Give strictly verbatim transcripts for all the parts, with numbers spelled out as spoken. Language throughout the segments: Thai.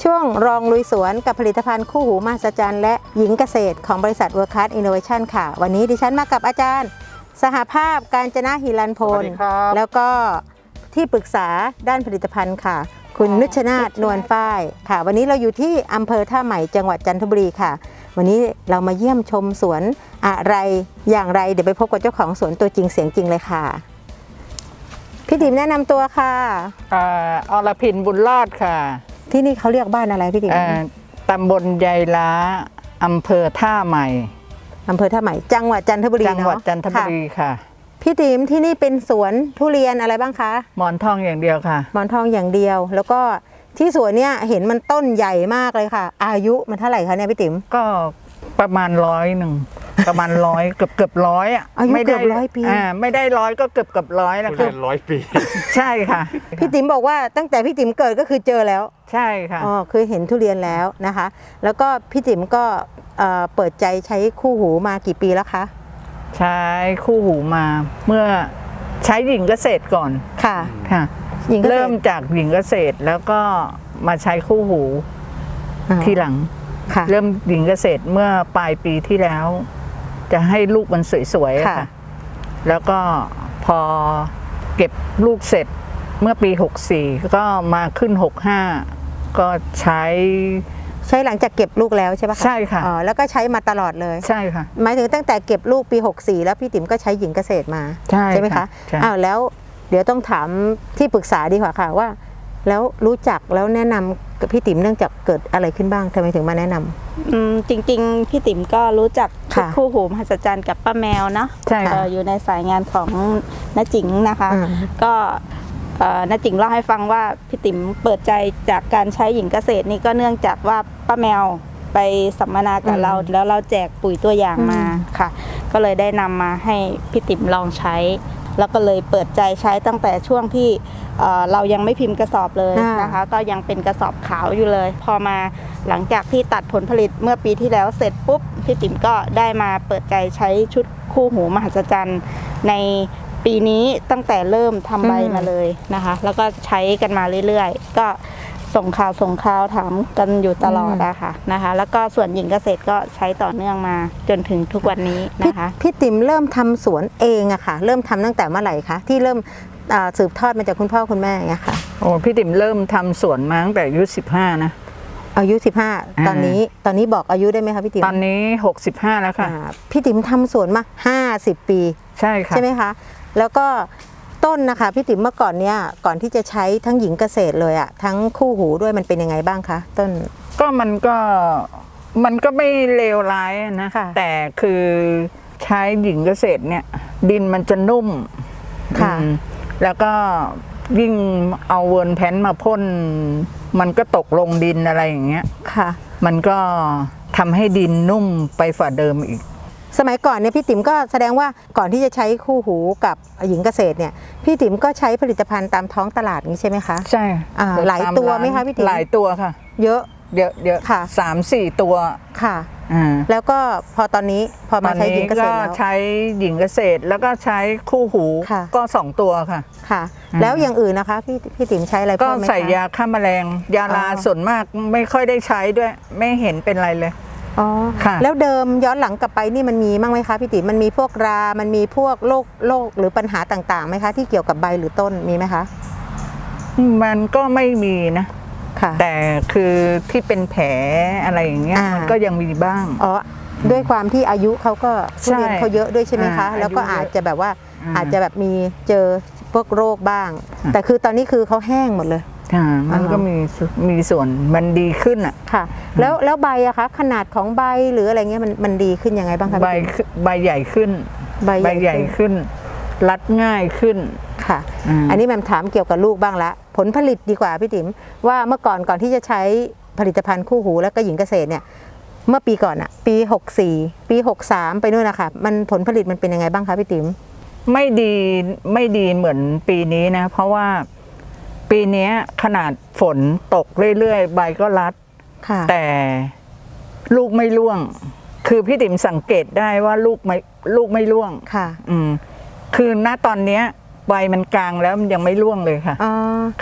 ช่วงรองลุยสวนกับผลิตภัณฑ์คู่หูมหัศจรรย์และหญิงเกษตรของบริษัท World Class Innovation ค่ะวันนี้ดิฉันมากับอาจารย์สหภาพกาญจนะหิรันพลแล้วก็ที่ปรึกษาด้านผลิตภัณฑ์ค่ะคุณนุชนาถนวลฝ้ายค่ะวันนี้เราอยู่ที่อำเภอท่าใหม่จังหวัดจันทบุรีค่ะวันนี้เรามาเยี่ยมชมสวนอะไรอย่างไรเดี๋ยวไปพบกับเจ้าของสวนตัวจริงเสียงจริงเลยค่ะพี่ติ๋มแนะนำตัวค่ะอ่าอรพินบุญรอดค่ะที่นี่เขาเรียกบ้านอะไรพี่ติ๋มตำบลยายล้าอำเภอท่าใหม่อำเภอท่าใหม่จังหวัดจันทบุรีจังหวัดจันทบุรีค่ะพี่ติ๋มที่นี่เป็นสวนทุเรียนอะไรบ้างคะหมอนทองอย่างเดียวค่ะหมอนทองอย่างเดียวแล้วก็ที่สวนเนี่ยเห็นมันต้นใหญ่มากเลยค่ะอายุมันเท่าไหร่คะเนี่ยพี่ติ๋มก็ประมาณร้อยหนึ่งประมาณร้อยเกือบเกือบร้อยอ่ะอายุเกือบร้อยปีอ่าไม่ได้ร้อยก็เกือบเกือบร้อยแล้วค่ะร้อยปีใช่ค่ะพี่ติ๋มบอกว่าตั้งแต่พี่ติ๋มเกิดก็คือเจอแล้วใช่ค่ะอ๋อคือเห็นทุเรียนแล้วนะคะแล้วก็พี่ติ๋มก็เปิดใจใช้คู่หูมากี่ปีแล้วคะใช้คู่หูมาเมื่อใช้หญิงเกษตรก่อนค่ะค่ะเริ่มจากหญิงเกษตรแล้วก็มาใช้คู่หูทีหลังเริ่มหญิงเกษตรเมื่อปลายปีที่แล้วจะให้ลูกมันสวยๆค่ะแล้วก็พอเก็บลูกเสร็จเมื่อปีหกสี่ก็มาขึ้นหกห้าก็ใช้ใช้หลังจากเก็บลูกแล้วใช่ปะใช่ค่ะอ๋อแล้วก็ใช้มาตลอดเลยใช่ค่ะหมายถึงตั้งแต่เก็บลูกปีหกสี่แล้วพี่ติ๋มก็ใช้หญิงเกษตรมาใช่ใช่ไหมคะอ้าวแล้วเดี๋ยวต้องถามที่ปรึกษาดีกว่าค่ะว่าแล้วรู้จักแล้วแนะนำกับพี่ติ๋มเนื่องจากเกิดอะไรขึ้นบ้างทำไมถึงมาแนะนำอืมจริงๆพี่ติ๋มก็รู้จักคู่หูมหัศจรรย์กับป้าแมวเนาะใช่อยู่ในสายงานของน้าจิ๋งนะคะก็น้าจิ๋งเล่าให้ฟังว่าพี่ติ๋มเปิดใจจากการใช้หญิงเกษตรนี่ก็เนื่องจากว่าป้าแมวไปสัมมนากับเราแล้วเราแจกปุ๋ยตัวอย่างมาค่ะก็เลยได้นำมาให้พี่ติ๋มลองใช้แล้วก็เลยเปิดใจใช้ตั้งแต่ช่วงที่เรายังไม่พิมพ์กระสอบเลยนะคะก็ยังเป็นกระสอบขาวอยู่เลยพอมาหลังจากที่ตัดผลผลิตเมื่อปีที่แล้วเสร็จปุ๊บพี่ติ๋มก็ได้มาเปิดใจใช้ชุดคู่หูมหัศจรรย์ในปีนี้ตั้งแต่เริ่มทำใบมาเลยนะคะแล้วก็ใช้กันมาเรื่อยๆก็ส่งข่าวส่งข่าวถามกันอยู่ตลอดนะคะนะคะแล้วก็ส่วนหญิงเกษตรก็ใช้ต่อเนื่องมาจนถึงทุกวันนี้นะคะพี่ติ๋มเริ่มทำสวนเองอะค่ะเริ่มทำตั้งแต่เมื่อไหร่คะที่เริ่มสืบทอดมาจากคุณพ่อคุณแม่ไงค่ะโอ้พี่ติ๋มเริ่มทำสวนมาตั้งแต่อายุสิบห้านะอายุสิบห้าตอนนี้ตอนนี้บอกอายุได้ไหมคะพี่ติ๋มตอนนี้หกสิบห้าแล้วค่ะพี่ติ๋มทำสวนมาห้าสิบปีใช่ค่ะใช่ไหมคะแล้วก็ต้นนะคะพี่ติ๋มเมื่อก่อนเนี้ยก่อนที่จะใช้ทั้งหญิงเกษตรเลยอะทั้งคู่หูด้วยมันเป็นยังไงบ้างคะต้นก็มันก็มันก็ไม่เลวร้ายนะแต่คือใช้หญิงเกษตรเนี่ยดินมันจะนุ่มค่ะแล้วก็ยิ่งเอาเวิร์นแพนมาพ่นมันก็ตกลงดินอะไรอย่างเงี้ยค่ะมันก็ทำให้ดินนุ่มไปฝ่าเดิมอีกสมัยก่อนเนี่ยพี่ติ๋มก็แสดงว่าก่อนที่จะใช้คู่หูกับหญิงเกษตรเนี่ยพี่ติ๋มก็ใช้ผลิตภัณฑ์ตามท้องตลาดนี้ใช่ไหมคะใช่หลายตัวไหมคะพี่ติ๋มหลายตัวค่ะเยอะเยอะเยอะค่ะสามสี่ตัวค่ะแล้วก็พอตอนนี้พอมาใช้หญิงเกษตรแล้วใช้หญิงเกษตรแล้วก็ใช้คู่หูก็สองตัวค่ะค่ะแล้วอย่างอื่นนะคะพี่พี่ติ๋มใช้อะไรก็ใส่ยาฆ่าแมลงยาลาส่วนมากไม่ค่อยได้ใช้ด้วยไม่เห็นเป็นไรเลยอ๋อแล้วเดิมย้อนหลังกลับไปนี่มันมีบ้างไหมคะพี่ติ๋มมันมีพวกรามันมีพวกโรคโรคหรือปัญหาต่างๆไหมคะที่เกี่ยวกับใบหรือต้นมีไหมคะมันก็ไม่มีนะแต่คือที่เป็นแผลอะไรอย่างเงี้ยมันก็ยังมีบ้างอ๋อด้วยความที่อายุเขาก็ทุเรียนเขาเยอะด้วยใช่ไหมคะแล้วก็อาจจะแบบว่าอาจจะแบบมีเจอพวกโรคบ้างแต่คือตอนนี้คือเขาแห้งหมดเลยมันก็มีมีส่วนมันดีขึ้นอ่ะค่ะแล้วแล้วใบอะคะขนาดของใบหรืออะไรเงี้ยมันมันดีขึ้นยังไงบ้างคะใบใบใหญ่ขึ้นใบใหญ่ขึ้นรัดง่ายขึ้นค่ะอันนี้แม่ถามเกี่ยวกับลูกบ้างละผลผลิตดีกว่าพี่ติ๋มว่าเมื่อก่อนก่อนที่จะใช้ผลิตภัณฑ์คู่หูแล้วก็หญิงเกษตรเนี่ยเมื่อปีก่อนอะปีหกสี่ปีหกสามไปนู่นนะคะมันผลผลิตมันเป็นยังไงบ้างคะพี่ติ๋มไม่ดีไม่ดีเหมือนปีนี้นะเพราะว่าปีนี้ขนาดฝนตกเรื่อยๆใบก็รัดแต่ลูกไม่ร่วงคือพี่ติ๋มสังเกตได้ว่าลูกไม่ลูกไม่ร่วงค่ะอืมคือณตอนเนี้ยใบมันกลางแล้วมันยังไม่ร่วงเลยค่ะอ๋อค่ะ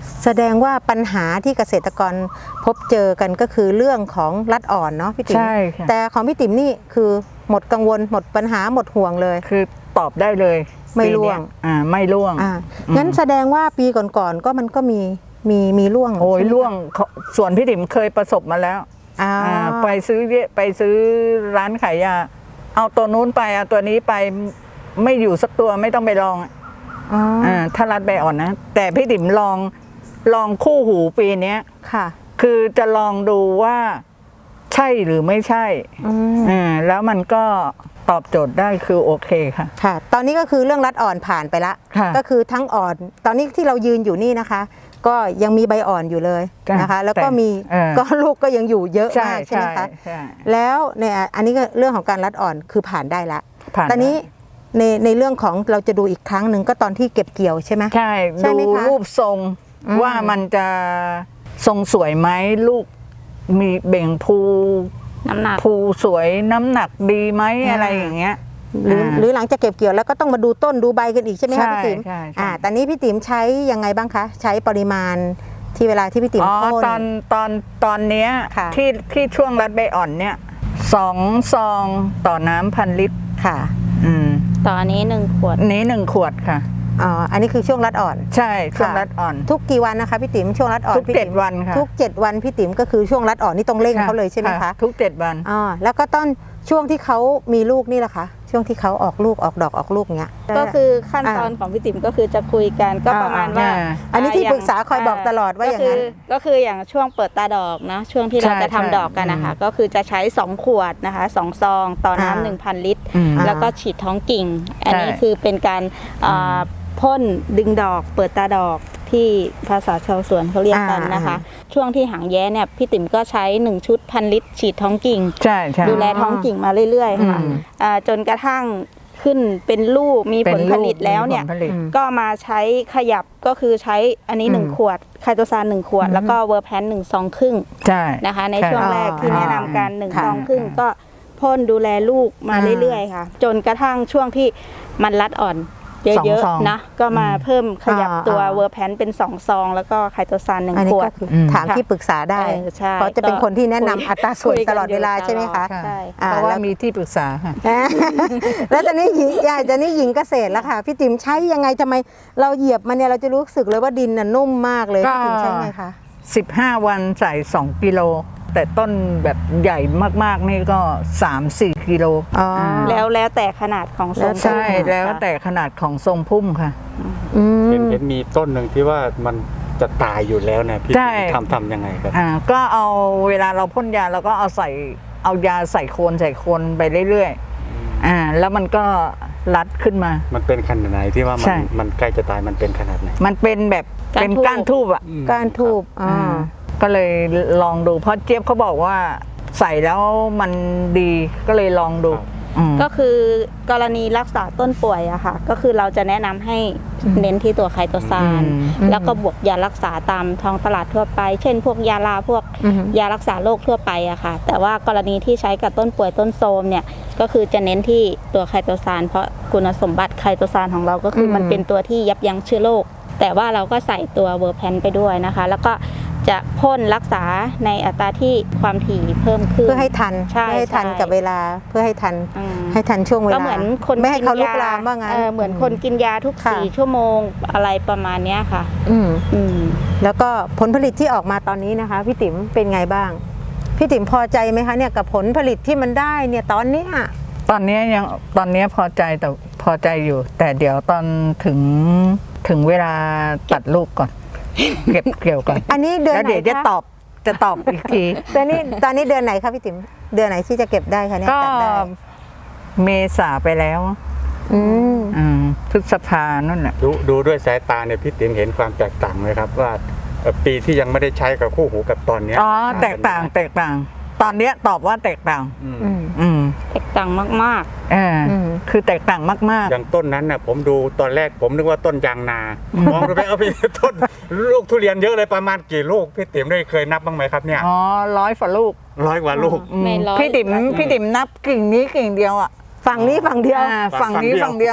แสดงว่าปัญหาที่เกษตรกรพบเจอกันก็คือเรื่องของรัดอ่อนเนาะพี่ติ๋มใช่ค่ะแต่ของพี่ติ๋มนี่คือหมดกังวลหมดปัญหาหมดห่วงเลยคือตอบได้เลยไม่ร่วงปีเนี้ยอ่าไม่ร่วงอ่างั้นแสดงว่าปีก่อนๆก็มันก็มีมีมีร่วงโอ้ยใช่ไหมร่วงเขาส่วนพี่ติ๋มเคยประสบมาแล้วอ่าอ่าไปซื้อเยไปซื้อร้านขายยาเอาตัวนู้นไปเอาตัวนี้ไปไม่อยู่สักตัวไม่ต้องไปลองอ๋ออ่าถ้ารัดใบอ่อนนะ แต่พี่ติ๋มลองลองคู่หูปีเนี้ยค่ะคือจะลองดูว่าใช่หรือไม่ใช่อืมอ่าแล้วมันก็ตอบโจทย์ได้คือโอเคค่ะค่ะ ตอนนี้ก็คือเรื่องรัดอ่อนผ่านไปละค่ะก็คือทั้งอ่อน ตอนนี้ที่เรายืนอยู่นี่นะคะ ก็ยังมีใบอ่อนอยู่เลยจ้ะนะคะ แล้วก็แต่มีเออก็ลูกก็ยังอยู่เยอะใช่มากใช่ไหมใช่คะใช่แล้วเนี่ยอันนี้ก็เรื่องของการรัดอ่อนคือผ่านได้ละผ่านตอนนี้ในในเรื่องของเราจะดูอีกครั้งหนึ่งก็ตอนที่เก็บเกี่ยวใช่ไหมใช่ใช่ไหมดูคะรูปทรงอืมว่ามันจะทรงสวยไหมลูกมีเบ่งภูน้ำหนักภูสวยน้ำหนักดีไหมอะไรอย่างเงี้ยหรืออ่าหรือหลังจากเก็บเกี่ยวแล้วก็ต้องมาดูต้นดูใบกันอีกใช่ไหมคะใช่พี่ติ๋มใช่ใช่อ่าตอนนี้พี่ติ๋มใช้ยังไงบ้างคะ ใช้ปริมาณที่เวลาที่พี่ติ๋มอ๋อพ่นตอนตอนตอนเนี้ยค่ะที่ที่ช่วงรัดใบอ่อนเนี่ยสองซองต่อน้ำพันลิตรค่ะอืมตอนนี้หนึ่งขวดนี้หนึ่งขวดค่ะอ๋ออันนี้คือช่วงรัดอ่อนใช่ช่วงค่ะรัดอ่อนทุกกี่วันนะคะพี่ติ๋มช่วงรัดอ่อนทุกพี่เจ็ติ๋ดมวันค่ะทุกเจ็ดวันพี่ติ๋มก็คือช่วงรัดอ่อนนี่ต้องเร่งเขาเลยใช่ไหมคะทุกเจ็ดวันอ๋อแล้วก็ต้นช่วงที่เขามีลูกนี่แหละคะช่วงที่เขาออกลูกออกดอกออกลูกเงี้ยก็คือขั้นตอนของพี่ติ๋มก็คือจะคุยกันก็ประมาณว่าอ่าอันนี้ที่ย่งปรึกษาคอยบอกตลอดว่าอย่างนั้นก็คือก็คืออย่างช่วงเปิดตาดอกนะช่วงที่เราใช่จะทำใช่ดอกกันนะคะก็คือจะใช้สองขวดนะคะสองซองต่ออ่าน้ำหนึ่งพันลิตรอืมแล้วก็ฉีดท้องกิ่ง อันนี้ใช่คือเป็นการอ่าพ่นดึงดอก เปิดตาดอกที่ภาษาชาวสวนเขาเรียกกันนะคะ ช่วงที่หางแย้เนี่ยพี่ติ๋มก็ใช้หนึ่งชุดพันลิตร ฉีดท้องกิ่งใช่ใช่ดูแลท้องกิ่งมาเรื่อยๆค่ะอืมอ่าจนกระทั่งขึ้นเป็นลูกมีผลผลิตแล้วเนี่ยป็ผลผลิตก็มาใช้ขยับก็คือใช้อันนี้หนึ่งอืมขวดไคโตซานหนึ่งขวด แล้วก็เวอร์แพนหนึ่งซองครึ่งใช่นะคะในใช่ช่วงแรกที่อ๋อแนะนำกันหนึ่งค่ะซองครึ่งก็พ่นดูแลลูกมาอ่าเรื่อยๆค่ะ จนกระทั่งช่วงที่มันรัดอ่อนเยสองอะซองๆนะก็มาเพิ่มขยับอ่าตัวอ่าเวอร์แพนเป็นสองซองแล้วก็ไคโตซานหนึ่งอันนี้ขวก็ดคืออืมถามที่ปรึกษาได้เออใช่เพราะจะเป็นคนที่แนะนำคุยอัตราส่วนคุยกันตลอดเวลาอยู่ใช่ไหมคะตลอด ใช่อ่เพราะว่าแล้วมีที่ปรึกษาค่ะอ่า แล้วตอนนี้หญิงยายตอนนี้หญิงเกษตรแล้วค่ะ พี่ติ๋มใช้ยังไงทำไมเราเหยียบมันเนี่ยเราจะรู้สึกเลยว่าดินน่ะนุ่มมากเลยก็พี่ติ๋มใช่ไหมคะสิบห้าวันใส่สองกิโล แต่ต้นแบบใหญ่มากๆนี่ก็สามสี่กิโลอ๋ออ่าแล้วแล้วแต่ขนาดของทรงใช่พุ่มแล้วค่ะแต่ขนาดของทรงพุ่มค่ะอืมเห็นเห็นมีต้นหนึ่งที่ว่ามันจะตายอยู่แล้วเนี่ยพี่ใช่ทำทำยังไงครับอ่าก็เอาเวลาเราพ่นยาเราก็เอาใส่เอายาใส่โคนใส่โคนไปเรื่อยๆอ่าแล้วมันก็รัดขึ้นมามันเป็นขนาดไหนที่ว่ามัใช่นมันใกล้จะตายมันเป็นขนาดไหนมันเป็นแบบเป็นก้านทูบอ่ะอืมก้านทูบอ๋ออ่าก็เลยลองดูเพราะเจี๊ยบเขาบอกว่าใส่แล้วมันดีก็เลยลองดูอืมก็คือกรณีรักษาต้นป่วยอะค่ะ ก็คือเราจะแนะนำให้เน้นที่ตัวไคโตซานอืมแล้วก็บวกยารักษาตามท้องตลาดทั่วไป เช่น พวกยาลาพวกอือฮึยารักษาโรคทั่วไปอะค่ะ แต่ว่ากรณีที่ใช้กับต้นป่วยต้นโทรมเนี่ยก็คือจะเน้นที่ตัวไคโตซานเพราะคุณสมบัติไคโตซานของเราก็คืออมมันเป็นตัวที่ยับยั้งเชื้อโรคแต่ว่าเราก็ใส่ตัวเวอร์แพนไปด้วยนะคะ แล้วก็จะพ่นรักษาในอัตราที่ความถี่เพิ่มขึ้นเพื่อให้ทันใช่เพื่อให้ทันใช่กับเวลาเพื่อให้ทันอืมให้ทันช่วงเวลาก็เหมือนคนไม่ให้เขาลุกนยลามว่างั้นเออเหมือนคนกินยาทุกค่ะสี่ชั่วโมงอะไรประมาณเนี้ยค่ะอืมอืมแล้วก็ผลผลิตที่ออกมาตอนนี้นะคะ พี่ติ๋มเป็นไงบ้าง พี่ติ๋มพอใจไหมคะเนี่ยกับผลผลิตที่มันได้เนี่ยตอนเนี้ยตอนนี้ยังตอนนี้พอใจแต่พอใจอยู่ แต่เดี๋ยวตอนถึงถึงเวลาตัดลูกก่อน เก็บเกี่ยวก่อนอันนี้เดือนแล้วไหนเดี๋ยวจะคะตอบจะตอบอีกทีตอนนี้ตอนนี้เดือนไหนคะพี่ติ๋มเดือนไหนที่จะเก็บได้คะเนี่ยก็ตัดได้เมษาไปแล้วอืมอืมพฤษภานั่นแหละดูดูด้วยสายตาเนี่ยพี่ติ๋มเห็นความแตกต่างไหมครับว่าเอ่อปีที่ยังไม่ได้ใช้กับคู่หูกับตอนเนี้ยอ๋อแตกต่างแตกต่าง ตอนเนี้ยตอบว่าแตกต่างอืมอืมอืมแตกต่างมากเอออมคือแตกต่างมากอย่างต้นนั้นน่ะผมดูตอนแรกผมนึกว่าต้นยางนามองดูไปเอาไปต้นลูกทุเรียนเยอะเลยประมาณกี่ลูกพี่ติ๋มได้เคยนับบ้างไหมครับเนี่ยๆ อ๋อร้อยฝ่าลูกร้อยกว่าลูกอืมไม่ร้อยพี่ติ๋มพี่ติ๋มนับกิ่งนี้กิ่งเดียวอ่ะฝั่งนี้ฝั่งเดียวอ่าฝั่ฝั่งงนี้เดียวฝั่งเดียว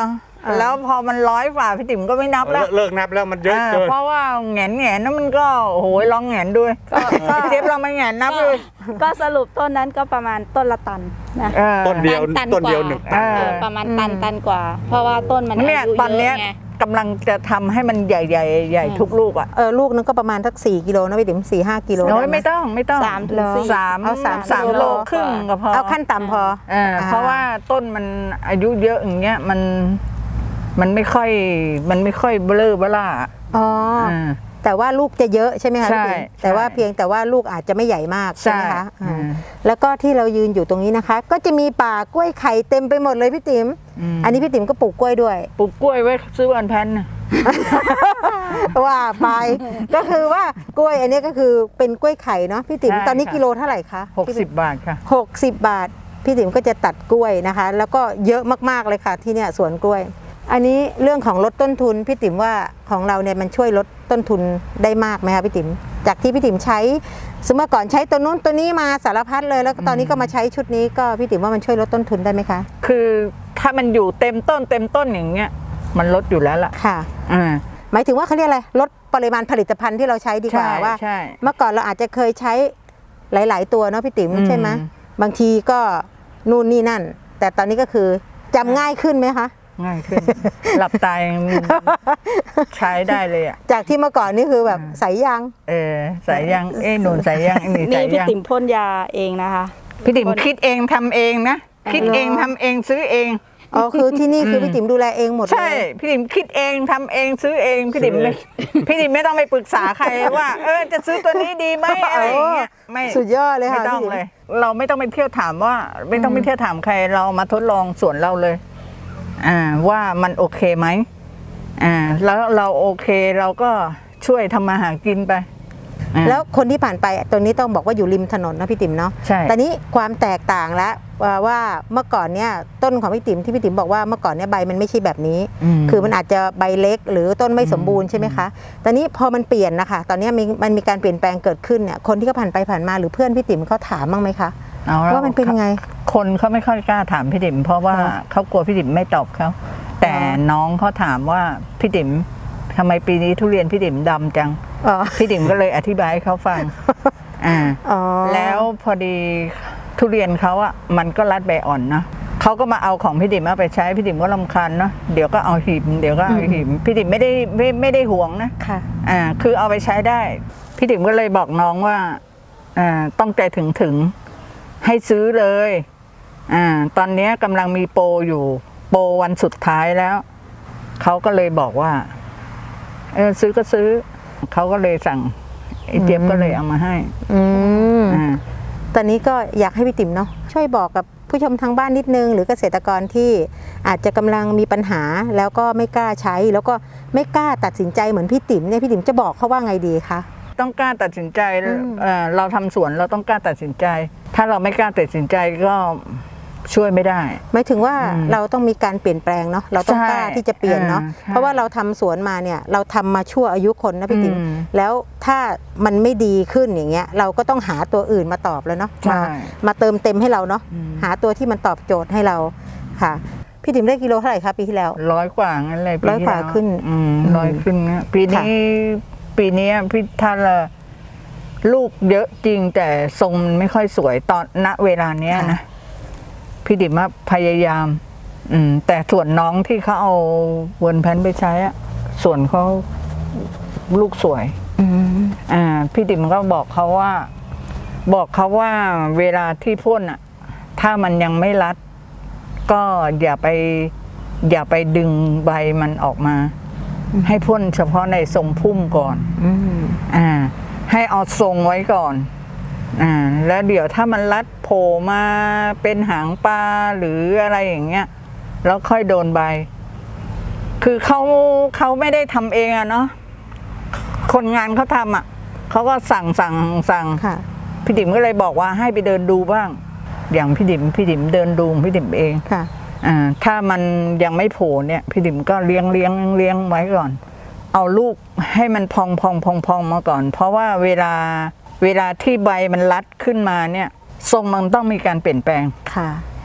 แล้วพอมันร้อยฝ่าพี่ติ๋มก็ไม่นับแล้วเลิกนับแล้วมันเยอะเกินเพราะว่าแหงนแหงนนั้นมันก็โอ้โหลองแหงนด้วยเจ็บเราไม่แหงนนับเลยก็สรุปต้นนั้นก็ประมาณต้นละตันนะเออต้นเดียวตันต้นเดียวกว่าหนึ่งตันเออประมาณตันตันกว่า เพราะว่าต้นมันอาเนี่ยยุตอนเยเนี้ยอะไงกำลังจะทำให้มันใหญ่ใหญ่ใหญ่ทุกลูกอ่ะเออลูกนึงก็ประมาณสักสี่กิโลนะพี่ติ๋มสี่ห้ากิโลโอ้ยด้หไม่ต้องไม่ต้องสามถึงสี่สามเอาสามสามกิโลโลครึ่งก็พอเอาขั้นต่ำพอเออเพราะว่าต้นมันอายุเยอะอย่างเงี้ยมันมันไม่ค่อยมันไม่ค่อยเบลอเบล่าอ๋ออ่าแต่ว่าลูกจะเยอะใช่ไหมคะใช่พี่ติ๋มใช่แต่ว่าเพียงแต่ว่าลูกอาจจะไม่ใหญ่มากใช่ไหมคะใช่อ่าอืมแล้วก็ที่เรายืนอยู่ตรงนี้นะคะ ก็จะมีป่ากล้วยไข่เต็มไปหมดเลยพี่ติ๋มมอันนี้พี่ติ๋มก็ปลูกกล้วยด้วยปลูกกล้วยไว้ซื้อวันแพนน่ะว่าไป ก็คือว่ากล้วยอันนี้ก็คือเป็นกล้วยไข่เนาะพี่ติ๋มใช่ตอนนี้ค่ะกิโลเท่าไหร่คะหกสิบบาทค่ะหกสิบบาท พี่ติ๋มก็จะตัดกล้วยนะคะ แล้วก็เยอะมากๆเลยค่ะที่เนี่ยสวนกล้วย อันนี้เรื่องของลดต้นทุนพี่ติ๋มว่าของเราเนี่ยมันช่วยลดต้นทุนได้มากไหมคะพี่ติ๋มจากที่พี่ติ๋มใช้สมมติก่อนใช้ตัวนู้นตัวนี้มาสารพัดเลยแล้วก็ตอนนี้ก็มาใช้ชุดนี้ก็พี่ติ๋มว่ามันช่วยลดต้นทุนได้ไหมคะคือถ้ามันอยู่เต็มต้นเต็มต้นอย่างเงี้ยมันลดอยู่แล้วล่ะค่ะอ่าหมายถึงว่าเขาเรียกอะไรลดปริมาณผลิตภัณฑ์ที่เราใช้ดีกว่าใช่ว่าใช่เมื่อก่อนเราอาจจะเคยใช้หลาย ๆ ตัวเนาะพี่ติ๋มอืมใช่ไหมบางทีก็นู่นนี่นั่น แต่ตอนนี้ก็คือจำง่ายขึ้นไหมคะง่ายขึ้น หลับตายังใช้ได้เลยอ่ะจากที่เมื่อก่อนนี่คือแบบใส่ยางเออใส่ยังเอ้หนุนใส่ยังไอ้นี่นี่ใส่พี่ยังติ๋มพ่นยาเองนะคะพี่ติ๋มคิดเองทำเองนะคิดเองทำเองซื้อเองอ๋อคือที่นี่คือพี่ติ๋มดูแลเองหมดเลยใช่พี่ติ๋มคิดเองทำเองซื้อเองพี่ติ๋มไม่พี่ติ๋มไม่ต้องไปปรึกษาใครว่า เออจะซื้อตัวนี้ดีไหมอะไรอย่างเงี้ยไม่สุดยอดเลยไม่ค่ะต้องพี่ติ๋มเลย เราไม่ต้องไปเที่ยวถามว่า ไม่ต้องไปเที่ยวถามใครเรามาทดลองสวนเราเลย อ่าว่ามันโอเคไหมอ่าแล้วเราโอเคเราก็ช่วยทำมาหากินไปอ่าแล้วคนที่ผ่านไปตรงนี้ต้องบอกว่าอยู่ริมถนนนะพี่ติ๋มเนาะใช่แต่นี้ความแตกต่างแล้วว่าว่าเมื่อก่อนเนี่ยต้นของพี่ติ๋มที่พี่ติ๋มบอกว่าเมื่อก่อนเนี่ยใบมันไม่ใช่แบบนี้มคือมันอาจจะใบเล็กหรือต้นไม่สมบูรณ์ใช่ไหมคะ ตอนนี้พอมันเปลี่ยนนะคะ ตอนนี้มีมันมีการเปลี่ยนแปลงเกิดขึ้นเนี่ยคนที่เขาผ่านไปผ่านมาหรือเพื่อนพี่ติ๋มเขาถามบ้างไหมคะเอาแล้วว่ามันเป็นยังไงคนเขาไม่ค่อยกล้าถามพี่ติ๋มเพราะว่าอ๋อเขากลัวพี่ติ๋มไม่ตอบเขาแต่อ๋อน้องเขาถามว่าพี่ติ๋มทำไมปีนี้ทุเรียนพี่ติ๋มดำจังอ๋อพี่ติ๋มก็เลยอธิบายให้เขาฟัง อ่าอ๋อแล้วพอดีทุเรียนเขาอะมันก็รัดใบอ่อนเนาะเขาก็มาเอาของพี่ติ๋มมาไปใช้พี่ติ๋มก็รำคาญเนาะเดี๋ยวก็เอาหิมเดี๋ยวก็เอาหิมพี่ติ๋มไม่ได้ไม่ไม่ได้ห่วงนะค่ะอ่าคือเอาไปใช้ได้ พี่ติ๋มก็เลยบอกน้องว่าอ่าต้องใจถึงถึงให้ซื้อเลยอ่าตอนนี้กำลังมีโปรอยู่โปรวันสุดท้ายแล้วเขาก็เลยบอกว่าเออซื้อก็ซื้อเขาก็เลยสั่งไอ้เจี๊ยบก็เลยเอามาให้อืมอ่าตอนนี้ก็อยากให้พี่ติ๋มเนาะช่วยบอกกับผู้ชมทางบ้านนิดนึงหรือเกษตรกรที่อาจจะกำลังมีปัญหาแล้วก็ไม่กล้าใช้ แล้วก็ไม่กล้าตัดสินใจเหมือนพี่ติ๋มเนี่ยพี่ติ๋มจะบอกเขาว่าไงดีคะต้องกล้าตัดสินใจอืมเอ่อเราทำสวนเราต้องกล้าตัดสินใจ ถ้าเราไม่กล้าตัดสินใจก็ช่วยไม่ได้หมายถึงว่าอืมเราต้องมีการเปลี่ยนแปลงเนาะเราต้องใช่กล้าที่จะเปลี่ยนเนาะอ่าใช่เพราะว่าเราทำสวนมาเนี่ยเราทำมาชั่วอายุคนนะพี่ติ๋มอืมแล้วถ้ามันไม่ดีขึ้นอย่างเงี้ยเราก็ต้องหาตัวอื่นมาตอบแล้วเนาะใช่มามาเติมเต็มให้เราเนาะอืมหาตัวที่มันตอบโจทย์ให้เราค่ะ พี่ติ๋มได้กิโลเท่าไหร่คะปีที่แล้วร้อยกว่างั้นเลยปีร้อยที่กว่าแล้วขึ้นอืมอืมร้อยขึ้นนะปีนี้ปีนี้พี่ท่านละลูกเยอะจริงแต่ทรงมันไม่ค่อยสวยตอนณเวลาเนี้ยนะพี่ดิมว่าพยายาม อืม แต่ส่วนน้องที่เขาเอาเวิร์นแพนไปใช้อะส่วนเขาลูกสวยอืมอ่าพี่ติ๋มก็บอกเขาว่า บอกเขาว่าเวลาที่พ่นอ่ะ ถ้ามันยังไม่รัด ก็อย่าไป อย่าไปดึงใบมันออกมา ให้พ่นเฉพาะในทรงพุ่มก่อนอืมอ่า ให้เอาทรงไว้ก่อน อ่า แล้วเดี๋ยวถ้ามันรัดโผล่มาเป็นหางปลาหรืออะไรอย่างเงี้ยแล้วค่อยโดนใบ คือเขาเขาไม่ได้ทำเองอะเนาะคนงานเขาทำอ่ะเขาก็สั่งสั่งสั่งค่ะพี่ติ๋มก็เลยบอกว่าให้ไปเดินดูบ้าง อย่างพี่ติ๋มพี่ติ๋มเดินดูพี่ติ๋มเองค่ะอ่าถ้ามันยังไม่โผล่เนี่ยพี่ติ๋มก็เลี้ยงเลี้ยงเลี้ยงไว้ก่อน เอาลูกให้มันพองพองพองพองมาก่อน เพราะว่าเวลาเวลาที่ใบมันรัดขึ้นมาเนี่ยทรงมันต้องมีการเปลี่ยนแปลงค่ะ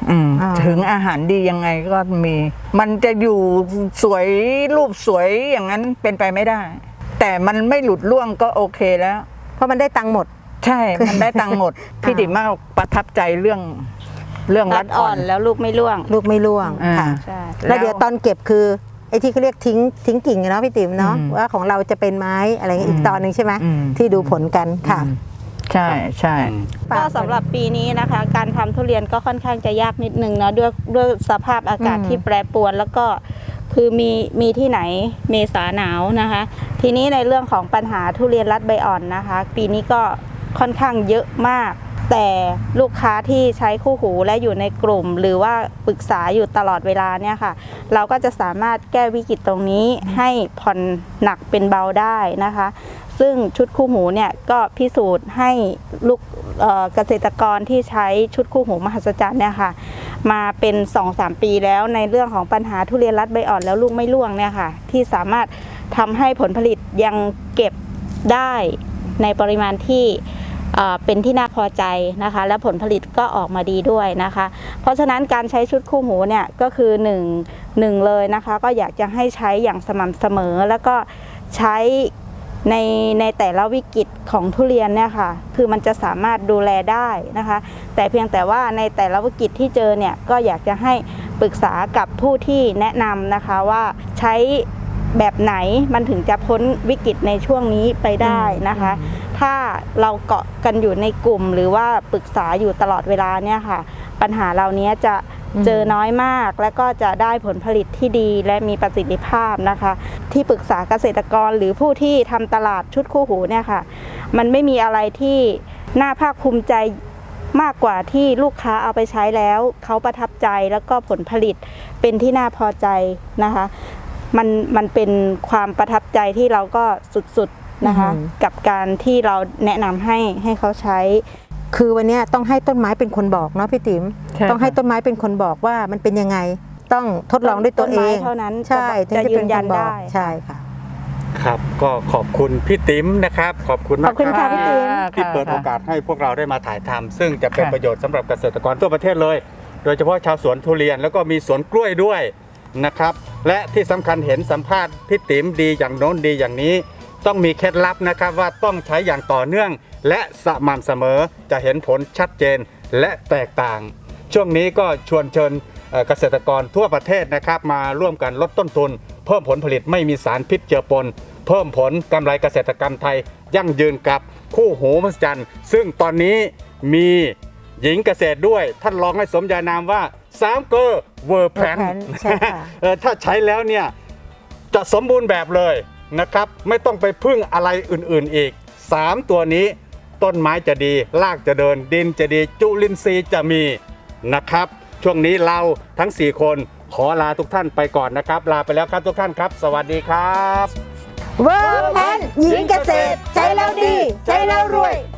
อืมอ่าถึงอาหารดียังไงก็มี มันจะอยู่สวยรูปสวยอย่างนั้นเป็นไปไม่ได้ แต่มันไม่หลุดร่วงก็โอเคแล้วเพราะมันได้ตังค์หมดใช่ มันได้ตังค์หมด พี่ติ๋มมากประทับใจเรื่องเรื่องรัรัดดอ่อ่ออน นแล้วลูกไม่ร่วงลูกไม่ร่วงอ่าค่ะใช่แล้วเดี๋ยวตอนเก็บคือไอ้ที่เขาเรียกทิ้งทิ้งกิ่งอะเนาะพี่ติ๋มเนาะอืมว่าของเราจะเป็นไม้อะไรเงี้ยอีกอืมตอนหนึ่งใช่ไหมอืมที่ดูผลกันค่ะอืมใช่ใช่ก็สำหรับปีนี้นะคะ การทำทุเรียนก็ค่อนข้างจะยากนิดนึงเนาะด้วยด้วยสภาพอากาศอืมที่แปรปรวน แล้วก็คือมีมีที่ไหนเมษาหนาวนะคะ ทีนี้ในเรื่องของปัญหาทุเรียนรัดใบอ่อนนะคะ ปีนี้ก็ค่อนข้างเยอะมาก แต่ลูกค้าที่ใช้คู่หูและอยู่ในกลุ่ม หรือว่าปรึกษาอยู่ตลอดเวลาเนี่ยค่ะ เราก็จะสามารถแก้วิกฤตตรงนี้ให้ผ่อนหนักเป็นเบาได้นะคะ ซึ่งชุดคู่หูเนี่ยก็พิสูจน์ให้ลูกเอ่อเกษตรกรที่ใช้ชุดคู่หูมหัศจรรย์เนี่ยค่ะมาเป็น สองถึงสาม ปีแล้วในเรื่องของปัญหาทุเรียนรัดใบอ่อนแล้วลูกไม่ร่วงเนี่ยค่ะที่สามารถทำให้ผลผลิตยังเก็บได้ในปริมาณที่เอ่อเป็นที่น่าพอใจนะคะและผลผลิตก็ออกมาดีด้วยนะคะ เพราะฉะนั้นการใช้ชุดคู่หูเนี่ยก็คือหนึ่ง หนึ่งเลยนะคะก็อยากจะให้ใช้อย่างสม่ำเสมอแล้วก็ใช้ในในแต่ละวิกฤตของทุเรียนเนี่ยค่ะคือมันจะสามารถดูแลได้นะคะ แต่เพียงแต่ว่าในแต่ละวิกฤตที่เจอเนี่ยก็อยากจะให้ปรึกษากับผู้ที่แนะนำนะคะว่าใช้แบบไหนมันถึงจะพ้นวิกฤตในช่วงนี้ไปได้นะคะ ถ้าเราเกาะกันอยู่ในกลุ่มหรือว่าปรึกษาอยู่ตลอดเวลาเนี่ยค่ะปัญหาเหล่านี้จะเจอน้อยมากและก็จะได้ผลผลิตที่ดีและมีประสิทธิภาพนะคะ ที่ปรึกษาเกษตรกรหรือผู้ที่ทำตลาดชุดคู่หูเนี่ยค่ะมันไม่มีอะไรที่น่าภาคภูมิใจมากกว่าที่ลูกค้าเอาไปใช้แล้วเขาประทับใจแล้วก็ผลผลิตเป็นที่น่าพอใจนะคะมันมันเป็นความประทับใจที่เราก็สุดๆนะคะอืมกับการที่เราแนะนำให้ให้เขาใช้คือวันเนี้ยต้องให้ต้นไม้เป็นคนบอกเนาะพี่ติ๋มใช่ต้องให้ต้นไม้เป็นคนบอกว่ามันเป็นยังไงต้องทดลองด้วยตัวเอต้นไม้งเท่านั้นใช่จะถึงยืนยันเป็คบอได้กใช่ค่ะครับก็ขอบคุณพี่ติ๋มนะครับ ขอบคุณขมาอก บคุณค่ะพี่ติ๋มที่เปิดโอกาสให้พวกเราได้มาถ่ายทำซึ่งจะเป็นค่ะประโยชน์สำหรับเกษตรกรทั่วประเทศเลย โดยเฉพาะชาวสวนทุเรียนแล้วก็มีสวนกล้วยด้วยนะครับ และที่สำคัญเห็นสัมภาษณ์พี่ติ๋มดีอย่างโน้นดีอย่างนี้ ต้องมีเคล็ดลับนะครับว่าต้องใช้อย่างต่อเนื่อง และสม่ำเสมอจะเห็นผลชัดเจนและแตกต่าง ช่วงนี้ก็ชวนเชิญเอ่อเกษตรกรทั่วประเทศนะครับมาร่วมกันลดต้นทุน เพิ่มผลผลิตไม่มีสารพิษเจือปน เพิ่มผลกำไรเกษตรกรรมไทย ยั่งยืนกับคู่หูมหัศจรรย์ซึ่งตอนนี้มีหญิงเกษตรด้วย ท่านลองให้สมญานามว่าสามเกอร์เวอร์แพน Verpan ใช่ค่ะถ้าใช้แล้วเนี่ยจะสมบูรณ์แบบเลยนะครับ ไม่ต้องไปพึ่งอะไรอื่นๆอีก สาม ตัวนี้ต้นไม้จะดีรากจะเดินดินจะดีจุลินทรีย์จะมีนะครับ ช่วงนี้เราทั้ง สี่ คนขอลาทุกท่านไปก่อนนะครับ ลาไปแล้วครับทุกท่านครับ สวัสดีครับเวิร์กแพนหญิงเกษตรใช้แล้วดี ใช้แล้วรวย